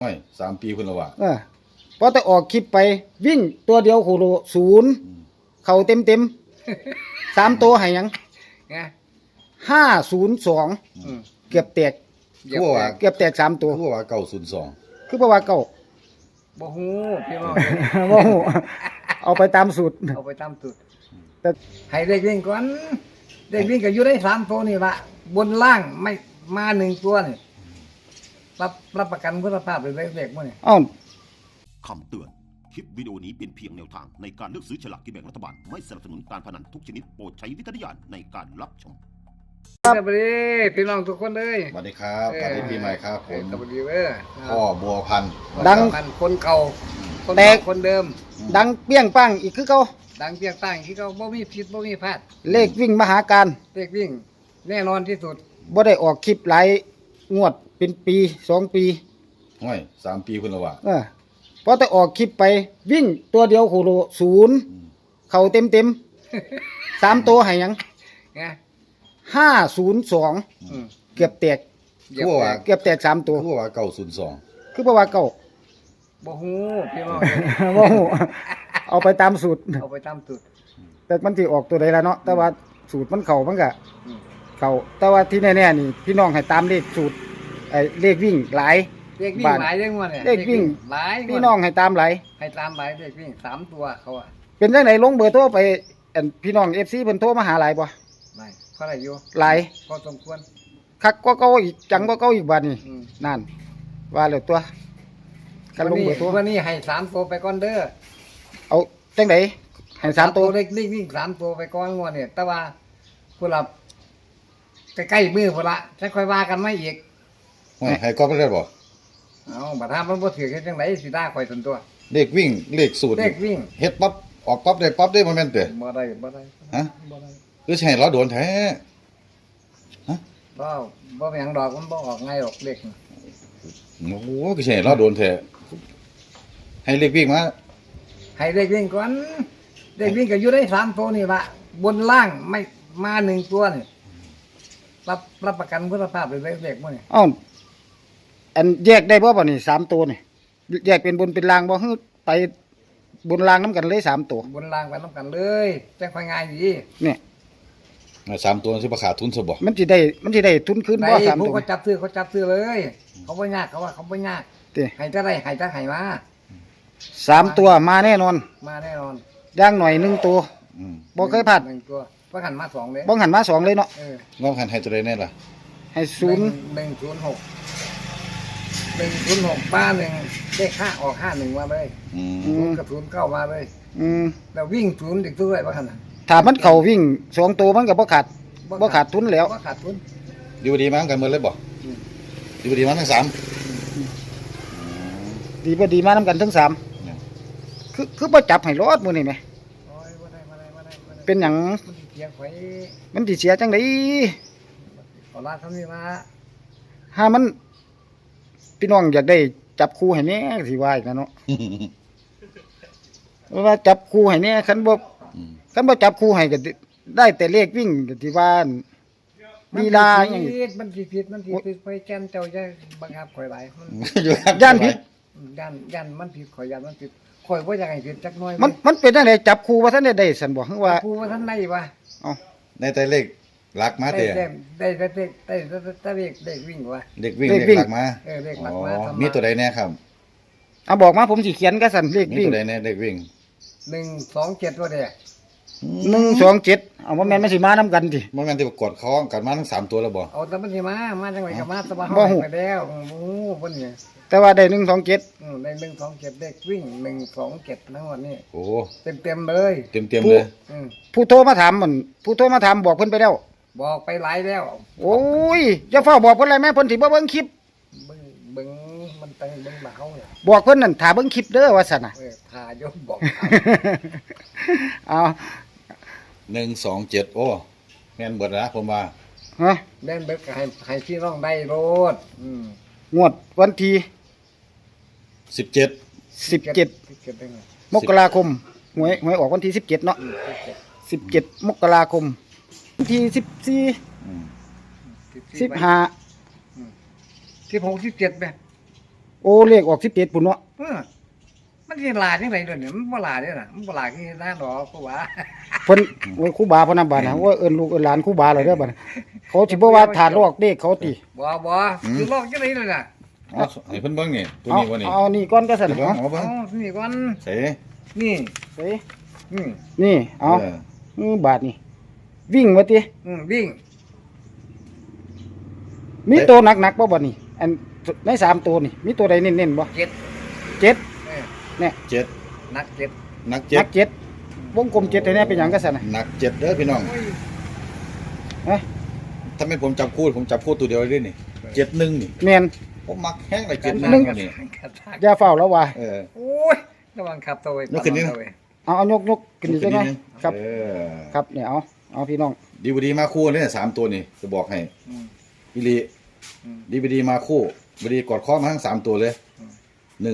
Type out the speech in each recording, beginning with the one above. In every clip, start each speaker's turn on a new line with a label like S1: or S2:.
S1: ไม่3 ปีคุณละวะ
S2: พอแต่ออกคลิปไปวิ่งตัวเดียวโคโล0เข้าเต็ม3ตัวให้หยัง502เกือบแตกเกือบแตก3ตัว
S1: คือว่า902
S2: คือเพราะว่าเก่า
S3: บ่ฮู้พี่น้อง
S2: บ่ฮู้เอาไปตามสูตร
S3: เอาไปตามสูตร
S2: แต่
S3: ให้เด็กวิ่งก่อนเด็กวิ่งก็อยู่ได้3ตัวนี่ละบนล่างไม่มา1ตัวนี่รับประกันคุณภาพเลยเด็กๆมื้อนี่
S2: อ้าว
S4: คำเตือน คลิปวิดีโอนี้เป็นเพียงแนวทางในการเลือกซื้อฉลากกินแบ่งรัฐบาล ไม่สนับสนุนการพนันทุกชนิดโปรดใช้วิจารณญาณในการรับชม
S3: สวัสดีพี่น้องทุกคนเลย
S1: สวัสดีครับสวัสดีปีใหม่ครับผม
S3: สวัสดีเว้ย
S1: พ่อบัวพันธุ์
S2: ดัง
S3: คนเก่าคน
S2: แต
S3: เก่าก คนเดิม
S2: ดังเปี้ยงปังอีกคือเก่า
S3: ดังเพียงตั้งที่เขาบ่มีผิดบ่มีพลาด
S2: เลขวิ่งมหาการ
S3: เด็กวิ่งแน่นอนที่สุด
S2: บ่ได้ออกคลิปหลายงวดเป็นปี2 ปี
S1: ไม่3 ปีคุณละวะ
S2: พอแต่ออกคลิปไปวิ่งตัวเดียวโคโล0เข้าเต็ม3ตัวให้หยัง502เกือบแตกเกือบแตก3ตัว
S1: คือว่า902
S2: คือเพราะว่าเก่า
S3: บ่ฮู้พี่น้อง
S2: บ่ฮู้เอาไปตามสูตร
S3: เอาไปตามสูตร
S2: แต่มันสิออกตัวใดล่ะเนาะแต่ว่าสูตรมันเข้ามันก็เข้าแต่ว่าที่แน่ๆนี่พี่น้องให้ตามเลขสูตรเลขวิ่งหลาย
S3: เด็กวิ่งหลายเรื่องว่าเนี่ย
S2: เลขวิ่ง
S3: หลาย
S2: พี่น้องให้ตามหลาย
S3: ให้ตามหลายเด็กวิ่ง3ตัวเขาอ่ะ
S2: เป็นจังได๋ลงเบอร์โทรไปพี่น้อง FC เพิ่นโทรมาหาหลายบ่
S3: ไม่เท่าไหร่อยู่
S2: หลาย
S3: พอสมควร
S2: คักกว่าเก่าอีกจังกว่าเก่าอีกบัดนี้
S3: อืม
S2: นั่นว่าแล้วตัวกันลงเบอร์โทร
S3: วันนี้ให้3ตัวไปก่อนเด้อ
S2: เอาจังได๋ให้3ตัว
S3: เล็กวิ่ง3ตัวไปก่อนงวดเนี่ยแต่ว่าผู้หลับใกล้ๆมือพุ่นละจะค่อยว่ากันไม่อีก
S1: ไม่ให้ก็ไม่ได้บ่
S3: เอาบัดถ้ามันบ่ถือเฮ็ดจังไดสิด่าข่อยตนตัว
S1: เลขวิ่งเลขสูตร
S3: เด็กวิ่ง
S1: เฮ็ดปั๊บออกปั๊บได้ปั๊บได้บ่แม่นเด้
S3: บ่ได้บ่ได้
S1: ฮะ
S3: บ่ได้
S1: คือสิให้เราโดนแท้
S3: บ่บ่แม่งดอกมันบ่ออกง่ายหรอกเด็กน่ะ
S1: โอ้โหคือสิให้เราโดนแท้ให้เลขวิ่งมา
S3: ให้เด็กวิ่งก่อนเด็กวิ่งก็อยู่ได้3ตัวนี่ละบนล่างไม่มา1ตัวนี่รับประกันคุณภาพเลยเด็กๆมื้อนี่
S2: อ้าวอันแยกได้บ่บัดนี้3ตัวนี่แยกเป็นบนเป็นล่างบ่คือไปบนล่างนํกันเลย3ตัว
S3: บนล่างไปนํกันเลยจังค่อยง่ายดี
S2: เนี่ย
S1: 3 ตัวสิบ่ขาดทุนซะบ่
S2: มันสิได้ทุนคืน
S3: ได้
S2: บ่3
S3: ผู้
S2: ตัว
S3: เขาจับซื้อเลย เขาบ่ยากเขาว่าเขาบ่ยาก
S2: ติ
S3: ให้จะได้ให้จะให้มา
S2: 3ตัวมาแน่นอน
S3: มาแน่นอน
S2: อย่างหน่อย1ตัว
S1: อืม
S2: บ่เคยพลาด
S3: 1ตัวว่าหันมา2เลย
S2: บ่หันมา2เลยเนาะ
S1: งอกหันให้ตัวใดแน่ล่ะ
S2: ให้0
S3: 106ป้าหนึ่งได้ค่าออก51มาเลย
S1: อืม
S3: 0กับ09มาเลย แล้ววิ่ง0อีกตัวด้วยว่าหั่นน่ะ
S2: ถ้ามันเข้าวิ่ง2ตัวมันก็บ่ขาดทุนแล้ว
S3: บ่ขาดทุน
S1: อยู่ดีมากันหมดเลยบ่
S3: อืม
S1: อยู่ดีมาทั้ง3
S2: ดีบ่ดีมานํกันทั้ง3คือบ่จับให้รอดมื้อนี้แหม
S3: โอ้ยบ่ได้
S2: เป็นหยัง
S3: มันสิเถียงข่อย
S2: มันสิเสียจังได๋
S3: ขอลาทำนี่มา
S2: ถ้ามันพี่น้องอยากได้จับคู่ให้แหน่สิว่าอีกนะเนาะว่าจับคู่ให้แหน่คันบ่จับคู่ให้ก็ได้แต่เลขวิ่งก็สิว่าลีลาหยัง
S3: มันสิผิดไปแจ้นเจ้าจะบังคับข่อยหลายมัน
S2: ย่านผิด
S3: ย่านมันผิดข่อยย่านมันผิดข่อยบ่อยากให้ผิดจักหน่อย
S2: มันเป็นจังไดจับคู่ว่าท่านได้ซั่นบ่คือว่า
S3: ครูว่าท่านได้บ่
S2: เอ้า
S1: ในแต่เลขหลักมาเตะ
S3: ได้เด็กวิ่งว่ะ
S1: เด็กวิ่งเลขหลักมา
S3: เด็กหลักมา
S1: มีตัวใดแน่ครับ
S2: เอาบอกมาผมสิเขียนก็ซั่นเลข
S1: มี
S2: วิ่ง
S1: ตัวใดแน่เด็กวิ่ง
S3: 127ตัวเด้
S2: 127เอาบ่แม่นมันสิมานํกันติ
S1: มันแม่นที่ประกวดคล้องกันมาทั้ง3ตัวแล้วบ่
S3: เอาแต่มันสิมาจังไดก็มาสบาย
S2: บ่ฮู้
S3: ไปแล้วโอ้โหเพิ่นนี่
S2: แต่ว่าได้127
S3: ได้127เด็กวิ่ง127ทั้งหมดนี่
S1: โอ้
S3: เต็มเลย
S1: เต็มเลย
S2: ผู้โทรมาถามมันผู้โทรมาถามบอกเพิ่นไปแล้ว
S3: บอกไปหลายแล้ว
S2: โอ้ยอย่าเฝ้าบอกเพิ่นเลยแม่เพิ่นสิบ่เบิ่งคลิป
S3: เบิ่งมันตั้งเบิ่งมาเฮาเนี่ย
S2: บอกเพิ่นนั่นถ้าเบิ่งคลิปเด้อว่าซั่นน่ะ
S3: ทาโยมบอก
S2: เอา
S1: 127โอ้แม่นเบิดนะผมว่า
S2: ฮะ
S3: แม่นเบิดก็ให้พี่น้องได้โลด
S2: งวดวันที่
S1: 17
S2: 17มกราคมหวยออกวันที่17เนาะ17มกราคมวันที่14 15
S3: 16 17แม่
S2: โอ้เลขออก17พุ่นเนาะ
S3: มันสิลาจังได๋เด้อเนี่ยมันบ่ลาเด้อน่ะมันบ่ลาคือหน้าดอกกูว่า
S2: เพิ่นโอ้ยครูบาเพิ่นนำบาดนะว่าเอิ้นลูกเอิ้นหลานครูบาเลยเด้อบัดนี้เขาสิบ่ว่าถาดลอกเลขเขาติ
S3: บ่คือลอกจังได๋เลยน่ะ
S1: เอาให้เพิ่นเบิ่งนี่ตัว
S2: เอา
S1: นี้บ่นี่
S2: เอานี่ก่อนก็สั่น
S1: เบิ่ง
S2: เอา
S1: เอาเบิ่ง
S3: นี่ก่อน
S1: ใส่
S3: นี่
S2: เฮ้ย
S3: อืม
S2: นี่เอา
S1: เออ
S2: บาทนี่วิ่งว่าติ
S3: วิ่ง
S2: มีตัวหนักๆบ่บัดนี้อันใน3ตัวนี่มีตัวใดเน้นๆบ่
S3: เจ็ด
S2: เจ็ด
S3: เออ
S2: เนี่ย
S1: เจ็ด
S3: นักเจ็ด
S1: นัก
S2: ห
S1: เจ็
S2: นั
S1: ด
S2: กเจ็ดวงกลมเจ็ดให้แน่เป็นหยังก็สั่นน่ะ
S1: นักเจ็ดเด้อพี่น้อง
S2: เอ้ย
S1: ถ้าไม่ผมจับคู่ตัวเดียวเลยนี่71นี่
S2: แม่น
S1: ผมมักแห้งเลย71
S2: หนึ่ง
S1: นี่
S2: อย่าเฝ้าแล้วว่า
S1: เออ
S3: โอ้ยระวังขับตัวไว้
S1: ยกขึ้นนิดนึง
S2: เอายกขึ้นอีกจังได๋ครับ
S1: เออ
S2: ครับเนี่ยเอาพี่น้อง
S1: ดีบดีมาคู่เนี่ย3ตัวนี่จะบอกให้
S3: อืม
S1: อีหลี
S3: อืม
S1: ดีบดีมาคู่บดีกอดข้อมาทั้ง3ตัวเลย
S3: อืม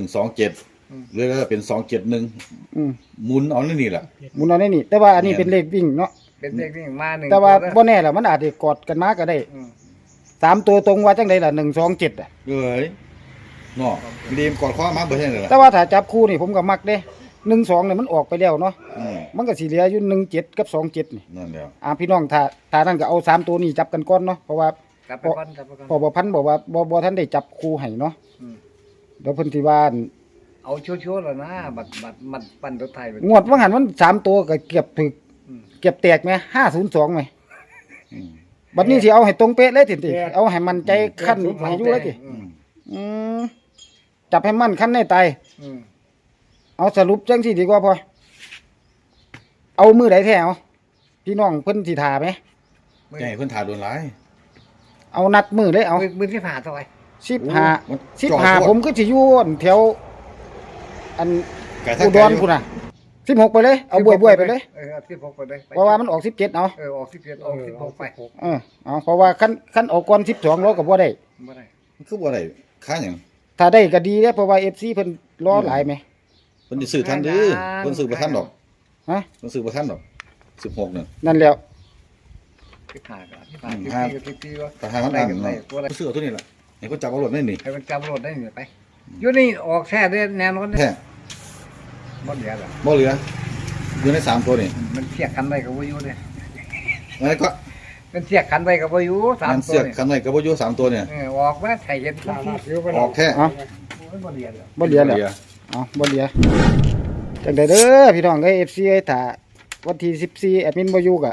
S1: 127
S3: อืม
S1: เรื่อยๆเป็น271
S2: อืม
S1: หมุนเอานี่แหละ
S2: หมุนเอาได้นี่ แต่ว่าอันนี้เป็นเลขวิ่งเนาะ
S3: เป็นเด็กวิ่งมาหนึ่ง
S2: แต่ว่า
S3: ตัว
S2: บ่แน่ล่ะมันอาจจะกอดกันมาก็ได้
S3: อืม
S2: 3ตัวตรงว่าจังได๋ล่ะ127อ่ะ
S1: เอ้ยเนาะดีมกอดข้อมาเบ่ใช่เลยล่ะ
S2: แต่ว่าถ้าจับคู่นี่ผมก็มักเด้12เนี่ยมันออกไปแล้วเนาะ
S1: อืม
S2: มันก็สิเหลืออยู่17กับ27นี่
S1: นั่นแหละ
S2: พี่น้องถ้านั่นก็เอา3ตัวนี้จับกันก่อนเนาะเพราะว่า
S3: จับไปก่อนจับไปก่อน
S2: พอบ่พันบอกว่าบ่ทันได้จับคู่ให้เนาะ
S3: อืม
S2: เดี๋ยวเพิ่นสิว่าอั่น
S3: เอาชัวร์ๆแล้วนะบัดมันปั้นรถไทยไป
S2: งวดว่าหันมัน3ตัวก็เกือบถึก
S3: อืม
S2: เกือบแตกแหม502แหม
S1: อืม
S2: บัดนี้สิเอาให้ตรงเป๊ะเลยติเอาให้มันใจขั้นให้อยู่เลยติ
S3: อืม
S2: อืมจับให้มันขั้นในตาย
S3: อืม
S2: เอาสรุปจังซี่ดีกว่าพอเอามือใดแท้เอาพี่น้องเพิ่นสิท่าไหม
S1: ใหญ่เพิ่นถ่าโดนหลาย
S2: เอานัดมือเลยเอา
S3: มือที่ผ่าซอย
S1: โอ้มันจ่อ
S2: 15
S1: โคตร
S2: ผมก็สิอยู่อั่นแถวอัน
S1: ไก่ทาง
S2: อุด
S1: ไก่
S2: รพุ่นน่ะ16ไปเลยเอาบวยๆไปเลย
S3: เอา16ไปเลย
S2: เพราะว่ามันออก17เอา
S3: ออก17ออก16ไป
S2: เอาเพราะว่าคันออกก่อน12เราก็บ่ได้
S3: บ่ได้
S1: มันคือบ่ได้ค่าหยัง
S2: ถ้าได้ก็ดีเด้อเพราะว่า FC เพิ่นรอหลายแหม
S1: เพิ่นสิซื้อทันเด้อเพิ่นซื้อบ่ทันดอก
S2: ฮะ
S1: เพิ่นซื้อบ่ทันดอก16นึง
S2: นั่นแล้ว
S3: ที่ผ่าก็ที่ผ่า
S1: ครับ
S3: ที่ว่า
S1: แต่หามันอ่าน
S3: ได้
S1: เนาะ
S3: ตัวอะไร
S1: เพิ่นซื้อเอาตัวนี้ล่ะให้เพิ่นจับเอารถได้นี่
S3: ให้มันจำรถได้นี่ไปอยู่นี่ออกแท้ได้แน่นอน
S1: แท้
S3: บ่เหลือแล้ว
S1: บ่เหลืออยู่ใน3ตัวนี่
S3: มันเทียกกันไว้กับบ่อยู่เด้
S1: แล้วก็
S3: มันเทียกกันไว้กับบ่อยู่
S1: มัน
S3: 3ตั
S1: เสื
S3: ว
S1: อก
S3: นี่
S1: คันไว้ก็บ่อยู่3ตัวเนี่ย
S3: ออกมาใส่เห็นทุกที่
S1: ออกแค่
S2: เอ้า
S3: บ่เหลือแล้ว
S2: บ่เหลือแล้วเอาบ่เหลือจังได๋เด้อพี่น้องเอ้ย FC เอ้ยถ้าวันที่14แอดมินบ่อยู่ก็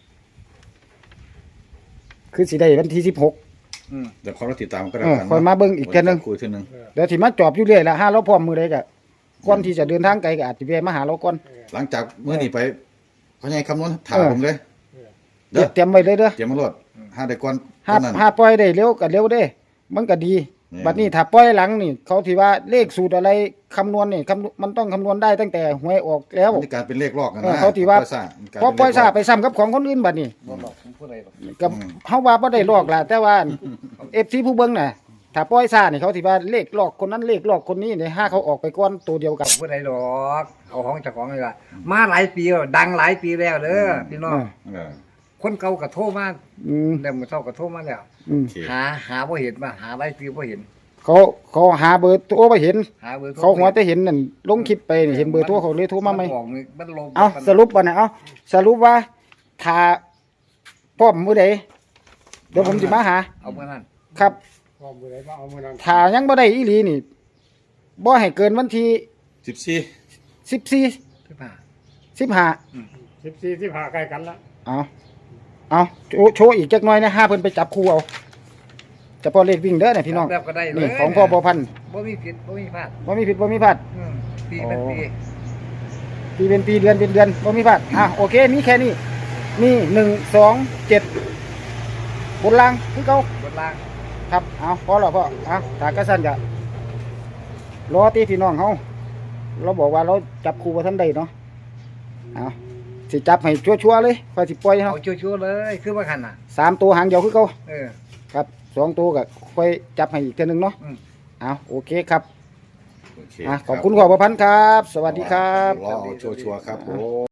S2: คือสิได้วันที่16
S1: เดี๋ยวขอเราติดตามก็ได้
S2: ค่อยมาเบิ่งอีกเทื่อนึง
S1: คุยเทื่อนึง
S2: เดี๋ยวสิมาจอบอยู่เรื่อยล่ะถ้าเราพร้อมมื้อใดก็ก่อนที่จะเดินทางไกลก็อาจสิแวะมาหาเราก่อน
S1: หลังจากมื้อนี้ไปพ่อใหญ่คำนวณถาม
S2: เออ
S1: ผมเลยเด้อ
S2: เตรียมไว้เลยเด้อ
S1: เตรียมมารถหาได้ก่อน
S2: หา
S1: นั้น
S2: หาปล่อยได้เร็วก็เร็วเด้ มันก็ดี
S1: เนี่ย
S2: บัดนี้ถ้าปล่อยหลังนี่เขาที่ว่าเลขสูตรอะไรคำนวณนี่มันต้องคำนวณได้ตั้งแต่หวยออกแล้ว
S1: มันจะการเป็นเลขลอกกัน
S2: เออ
S1: นะ
S2: เขาที่ว่า
S1: ปล่อยซ่มันกล
S2: พอปล่อยซา
S1: เป็น
S2: ไปซ้ำกับของคนอื่นบัดนี้
S3: บ่หลอกผมพูดอะไรหรอก
S2: ก็เฮาว่าบ่ได้ลอกล่ะแต่ว่า FC ผู้เบิ่งน่ะถ้าปล่อยซานี่เขาสิว่าเลขลอกคนนั้นเลขลอกคนนี้นี่ห้าเขาออกไปก่อนตัวเดียวกัน
S3: พูดอะไรหรอกเอาของเจ้าของเลยว่ามาหลายปีแล้วดังหลายปีแล้วเด้อพี่น้อง
S1: เออ
S3: คนเก่าก็โทรมา
S2: อืม
S3: เดี๋ยวมื้อเช้าก็โทรมาแล้ว
S2: อืม
S1: โอเค
S3: หาบ่เห็นมาหาหลายปีบ่เห็น
S2: เขาหาเบอร์โทรบ่เห็น
S3: หาเบอร์โทร
S2: เขาหัวแต่เห็นนั่นลงคลิปไปนี่เห็นเบอร์โทรเขาเลยโทรมาใหม่
S3: นบอกมันลง
S2: เอาสรุปบ่น่ะเอาสรุปว่าถ้าพร้อมมื้อใดเดี๋ยวผมสิมาหา
S3: เอาเมื่อนั้น
S2: ครับถ้ายังบ่ได้อีหลีนี่บ่ให้เกินวันที่
S1: 14
S2: 14
S3: ที่ผ่า
S2: 15
S5: 14 15ใกล้กันละ
S2: เอาโชว์อีกจักหน่อยนะห้าเพิ่นไปจับคู่เอาเฉพาะเลขวิ่งเด้อเนี่ยพี่น้อง
S3: แบบก็ได้เลย
S2: นี่ของพ่อบ่พันธุ์
S3: บ่มีผิดบ่มีพลาด
S2: บ่มีผิดบ่มีพลาด
S3: ปีเป็นปี
S2: ปีเป็นปีเดือนเป็นเดือนบ่มีพลาดโอเคมีแค่นี้นี่1 2 7บนล่างคือเก่า
S3: บนล่าง
S2: ครับเอาพอแล้วพ่อถ้ากระสั่นจะรอตีพี่น้องเฮาเราบอกว่าเราจับคู่บ่ทันได้เนาะเอาสิจับให้ชัวร์ๆเลยค่อยสิปล่อยเฮา
S3: เอาชัวร์ๆเลยคือว่าคันน่ะ
S2: 3ตัวหางเดียวคือเก่า
S3: เออ
S2: ครับ2ตัวก็ค่อยจับให้อีกเทื่อนึงเนาะ
S3: อืม
S2: โอเคครับ
S1: โอเค
S2: ขอบคุณขอบพระพันธ์ครับ สวัสดีครับ
S1: รอเอาชัวร์ๆครับผม